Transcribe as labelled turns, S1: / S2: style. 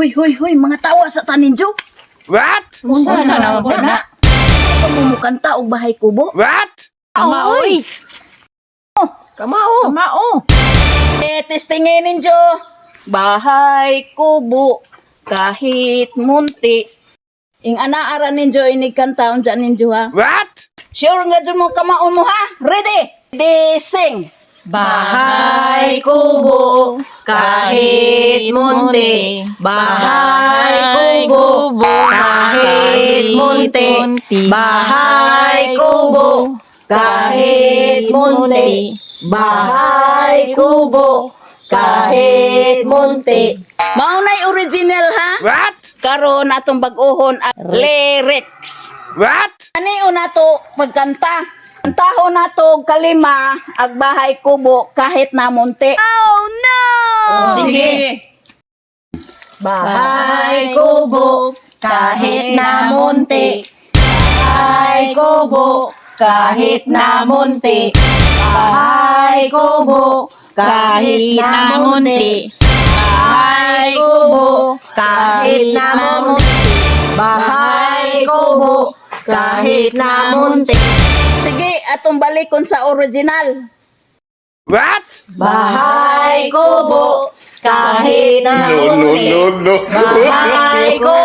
S1: Hoy, mga tawa sa taninjo.
S2: What?
S3: Unsa na mo na?
S1: Pamumukanta og bahay kubo.
S2: What?
S3: Kamao. Kamao.
S1: Testingin ninyo. Bahay kubo kahit munti. Ing anaaran ninyo inigkantaon dyan ninyo ha.
S2: What?
S1: Sure nga dyan mo kamaon mo ha. Ready? Ready, sing.
S3: Bahay kubo kahit munti. Bahay kubo kahit munti. Bahay kubo kahit munti. Bahay kubo kahit munti.
S1: Maunay original ha.
S2: What?
S1: Karon atong bag-ohon at lyrics.
S2: What?
S1: Ani una to pagkanta. Kantaho na to kalima ag bahay kubo kahit na munti.
S3: Oh no!
S1: Sige.
S3: Bahay kubo kahit na munti. Bahay kubo kahit na munti. Bahay kubo kahit na munti. Bahay kubo kahit na munti. Bahay kubo kahit na munti.
S1: Sige, atong balikon sa original.
S2: What?
S3: Bahay kubo kahit na munti.
S2: No.
S3: Bahay kubo